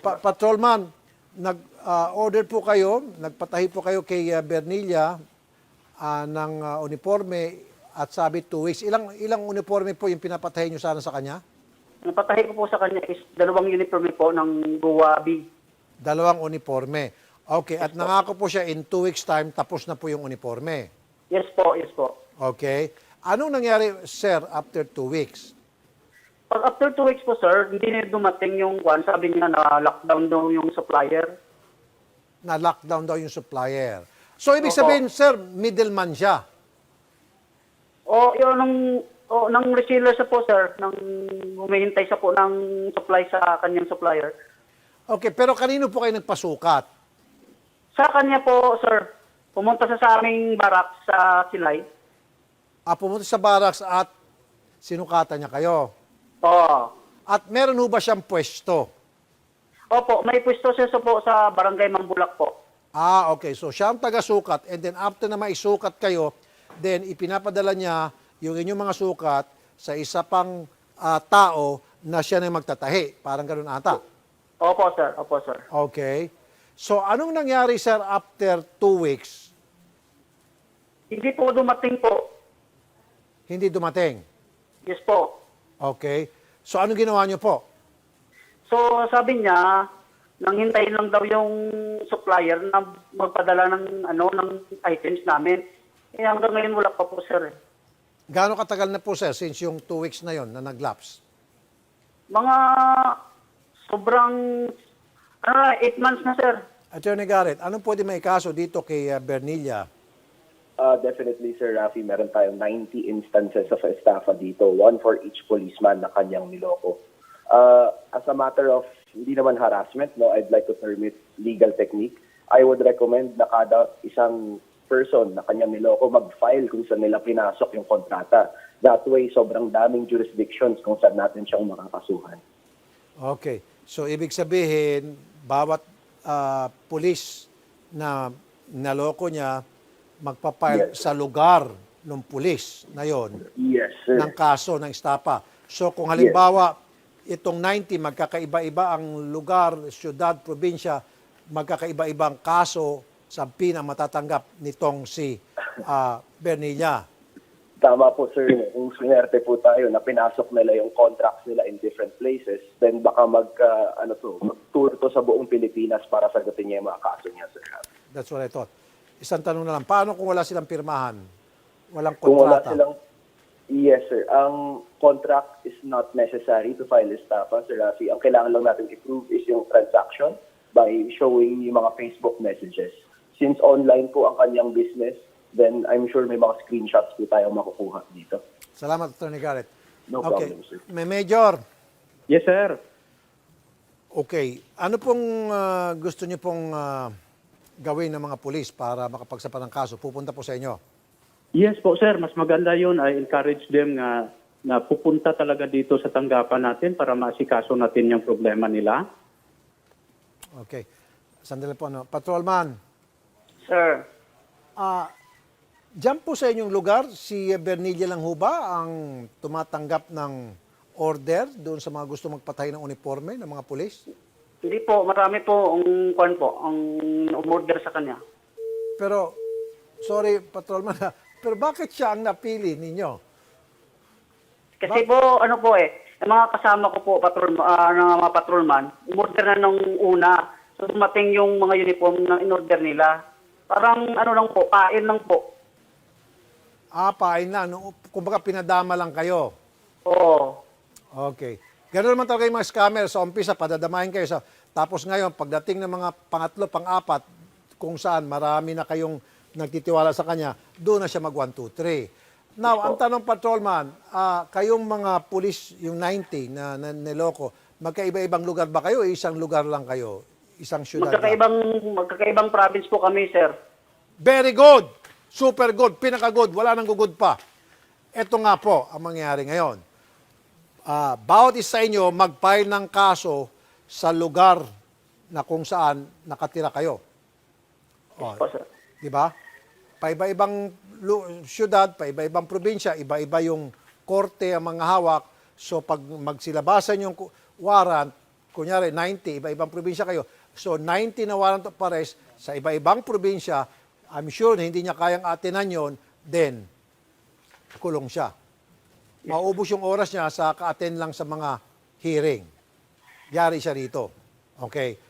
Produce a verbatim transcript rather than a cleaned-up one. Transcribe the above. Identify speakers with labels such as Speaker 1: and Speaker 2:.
Speaker 1: Pa- Patrolman, nag-order po kayo, nagpatahi po kayo kay uh, Bernilla ah, ng ah, uniforme at sabi two weeks. Ilang ilang uniforme po yung pinapatahi nyo sana sa kanya?
Speaker 2: Ang patahi ko po sa kanya is dalawang uniforme po ng Guwabi.
Speaker 1: Dalawang uniforme. Okay, at nangako po siya in two weeks time, tapos na po yung uniforme.
Speaker 2: Yes po, yes po.
Speaker 1: Okay. Anong nangyari, sir, after two weeks?
Speaker 2: Pag after two weeks po, sir, hindi na dumating yung one. Sabi niya na lockdown daw yung supplier.
Speaker 1: Na-lockdown daw yung supplier. So, ibig
Speaker 2: Opo.
Speaker 1: sabihin, sir, middleman siya.
Speaker 2: O, yun, nung, o, nang reseller siya po, sir, nang humihintay siya po ng supply sa kanyang supplier.
Speaker 1: Okay, pero kanino po kayo nagpasukat?
Speaker 2: Sa kanya po, sir, pumunta siya sa aming barak sa Silay.
Speaker 1: Ah, pumunta sa barracks at sinukatan niya kayo.
Speaker 2: Oo.
Speaker 1: At meron ho ba siyang pwesto?
Speaker 2: Opo, may pwesto siya sa po sa barangay Mambulak po.
Speaker 1: Ah, okay. So, siya ang taga-sukat and then after na maisukat kayo, then ipinapadala niya yung inyong mga sukat sa isa pang ah, tao na siya na yung magtatahi. Parang ganun ata.
Speaker 2: Opo, sir. Opo, sir.
Speaker 1: Okay. So, anong nangyari, sir, after two weeks?
Speaker 2: Hindi po dumating po.
Speaker 1: Hindi dumating.
Speaker 2: Yes po.
Speaker 1: Okay. So, anong ginawa niyo po?
Speaker 2: So, sabi niya, nang hintayin lang daw yung supplier na magpadala ng ano ng items namin. Eh, hanggang ngayon wala pa po, sir. eh.
Speaker 1: Gaano katagal na po, sir, since yung two weeks na yon na nag-lapse?
Speaker 2: Mga sobrang, ano, eight months na, sir.
Speaker 1: Attorney Garrett, anong pwede may kaso dito kay uh, Bernilla?
Speaker 3: Uh, definitely, Sir Rafi, meron tayong ninety instances of estafa dito, one for each policeman na kanyang niloko. Uh, as a matter of, hindi naman harassment, no, I'd like to term it legal technique. I would recommend na kada isang person na kanyang niloko mag-file kung saan nila pinasok yung kontrata. That way, sobrang daming jurisdictions kung saan natin siyang makakasuhan.
Speaker 1: Okay. So, ibig sabihin, bawat uh, pulis na naloko niya, magpapile
Speaker 3: Yes.
Speaker 1: sa lugar ng pulis na yon
Speaker 3: Yes, sir.
Speaker 1: ng kaso ng estapa. So, kung halimbawa, itong ninety, magkakaiba-iba ang lugar, syudad, probinsya, magkakaiba-ibang kaso sa pina matatanggap nitong si uh, Bernilla.
Speaker 3: Tama po, sir. Kung swinerte po tayo na pinasok nila yung contracts nila in different places, then baka mag, uh, ano to, mag-tour to sa buong Pilipinas para sagutin niya yung mga kaso niya, sir.
Speaker 1: That's what I thought. Isang tanong na lang, paano kung wala silang pirmahan? Walang
Speaker 3: Kung wala
Speaker 1: kontrata?
Speaker 3: silang, yes, sir. Ang contract is not necessary to file estafa, Sir Rafi. Ang kailangan lang natin i-prove is yung transaction by showing yung mga Facebook messages. Since online po ang kanyang business, then I'm sure may mga screenshots po tayong makukuha dito.
Speaker 1: Salamat, Attorney Garrett.
Speaker 3: No
Speaker 1: Okay.
Speaker 3: problem, sir.
Speaker 1: May Major.
Speaker 4: Yes, sir.
Speaker 1: Okay. Ano pong ah, gusto niyo pong ah, gawin ng mga pulis para makapagsampa ng kaso? Pupunta po sa inyo.
Speaker 4: Yes po, sir. Mas maganda yun. I encourage them nga na pupunta talaga dito sa tanggapan natin para maasikaso natin yung problema nila.
Speaker 1: Okay. Sandali po. Ano. Patrolman,
Speaker 2: Sir.
Speaker 1: ah, dyan po sa inyong lugar, si Bernilla lang ho ba ang tumatanggap ng order doon sa mga gusto magpatay ng uniforme ng mga pulis?
Speaker 2: Hindi po, marami po ang kwan po, ang umorder sa kanya.
Speaker 1: Pero, sorry, Patrolman, ha, pero bakit siya ang napili ninyo?
Speaker 2: Kasi po, ano po eh, yung mga kasama ko po, patrol, ah, ng mga patrolman, umorder na nung una. So, dumating yung mga uniform na in-order nila. Parang, ano lang po, kain lang po.
Speaker 1: Ah, pain na. No? Kumbaga, pinadama lang kayo.
Speaker 2: Oo.
Speaker 1: Okay. Ganoon naman talaga yung mga scammer. Sa umpisa, padadamahin kayo. Sa, tapos ngayon, pagdating ng mga pangatlo, pang-apat, kung saan marami na kayong nagtitiwala sa kanya, doon na siya mag one, two, three. Now, ang tanong, Patrolman, ah, kayong mga pulis, yung ninety na, na niloko, magkaiba-ibang lugar ba kayo o isang lugar lang kayo? Isang syudad lang?
Speaker 2: Magkakaibang, magkakaibang province po kami, sir.
Speaker 1: Very good! Super good! Pinaka-good! Wala nang gugod pa. Ito nga po ang mangyayari ngayon. Ah, bawat isa sa inyo mag-file ng kaso sa lugar na kung saan nakatira kayo. O,
Speaker 2: Po, sir.
Speaker 1: di ba? Paiba-ibang lu- syudad, paiba-ibang probinsya, iba-iba yung korte ang mga hawak. So pag magsilabasan yung ku- warrant, kunyari ninety, iba-ibang probinsya kayo. So ninety na warrant of arrest sa iba-ibang probinsya, I'm sure na hindi niya kayang atinan yon, then kulong siya. Maubos yung oras niya sa ka-attend lang sa mga hearing. Yari siya rito. Okay.